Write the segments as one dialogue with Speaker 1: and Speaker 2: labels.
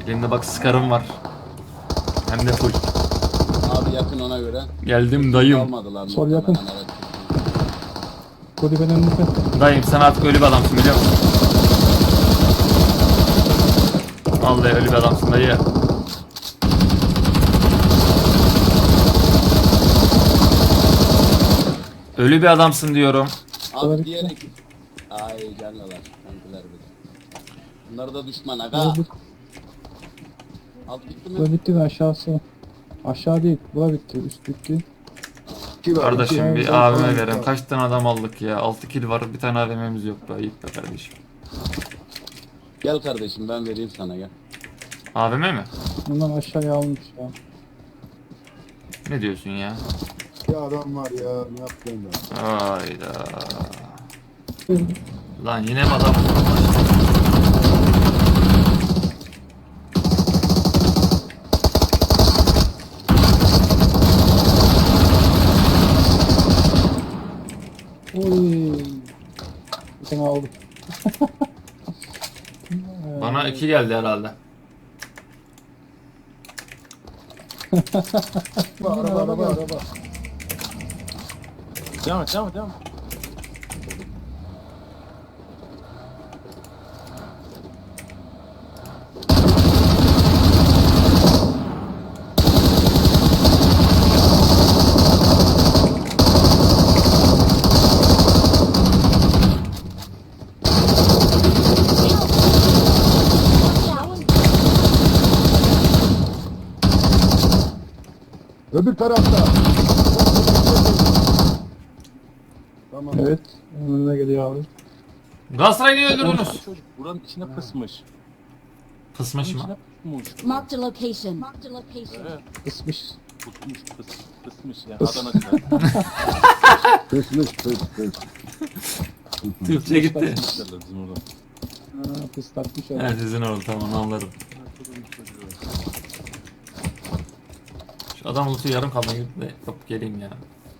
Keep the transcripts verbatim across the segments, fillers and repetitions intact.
Speaker 1: Elimde bak skarım var. Hem de full.
Speaker 2: Abi yakın ona göre.
Speaker 1: Geldim dayım.
Speaker 2: Almadılar
Speaker 3: Sol
Speaker 2: muhtemelen,
Speaker 3: yakın.
Speaker 2: evet.
Speaker 3: Kulübenin önünde.
Speaker 1: Dayım sen artık ölü bir adamsın biliyor musun? Vallahi ölü bir adamsın dayı. Ölü bir adamsın diyorum.
Speaker 2: Abi
Speaker 3: Olabilir.
Speaker 2: diğer ekip. Ay canlılar. Kankiler bir. Bunlar da düşman aga.
Speaker 3: Bura, bit,
Speaker 2: Alt bitti mi?
Speaker 3: bura bitti mi aşağısı? Aşağı değil. Bura bitti. Üst bitti.
Speaker 1: Kardeşim bir
Speaker 3: iki-
Speaker 1: A V M verin. Kaç tane adam aldık ya? altı kill var, bir tane A V M'miz yok be. Ayıp be kardeşim.
Speaker 2: Gel kardeşim ben vereyim sana gel.
Speaker 1: A V M mi?
Speaker 3: Bundan aşağıya almış ya.
Speaker 1: Ne diyorsun ya?
Speaker 4: Ya adam var ya, ne yaptın ben?
Speaker 1: Hayda. Lan yine mi adam?
Speaker 3: Oy. Bir tane aldım.
Speaker 1: Bana iki geldi herhalde.
Speaker 4: Araba, araba, araba.
Speaker 5: Devam et, devam et, devam et.
Speaker 4: Öbür tarafta. Tamam.
Speaker 3: Evet. Önüne geliyor abi.
Speaker 1: Galatasaray'ı niye öldürdünüz?
Speaker 5: Çocuk buranın içine pısmış.
Speaker 1: Pısmış
Speaker 5: Buranın
Speaker 1: mı?
Speaker 5: içine pusmuş.
Speaker 6: Marked a location. Marked a location.
Speaker 5: Evet,
Speaker 3: Kısmış.
Speaker 5: pusmuş, pıs, pısmış yani Adana'da.
Speaker 4: Kısmış, kıs, kıs.
Speaker 1: Türkçe gitti.
Speaker 5: Derler bizim orada.
Speaker 3: Ha, pıslatmış abi.
Speaker 1: Evet sizin oldu tamam anladım. Şu adam ulusu yarım kaldı gidip de yapıp geleyim ya.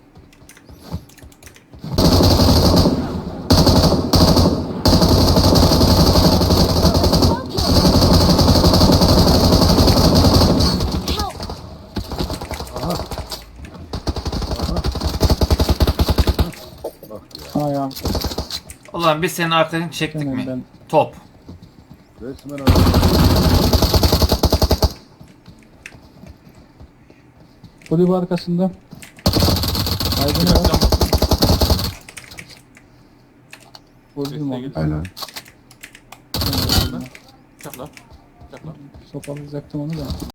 Speaker 6: Help!
Speaker 3: Ha ya.
Speaker 1: Ulan biz senin arkadaşını çektik
Speaker 3: Hemen
Speaker 1: mi?
Speaker 3: ben.
Speaker 1: Top.
Speaker 4: Resmen araba.
Speaker 3: Kulübe arkasında. Aydın var. Vurdum onu.
Speaker 4: Aynen.
Speaker 5: Çak lan. Çak lan.
Speaker 3: Sopalayacaktım onu da.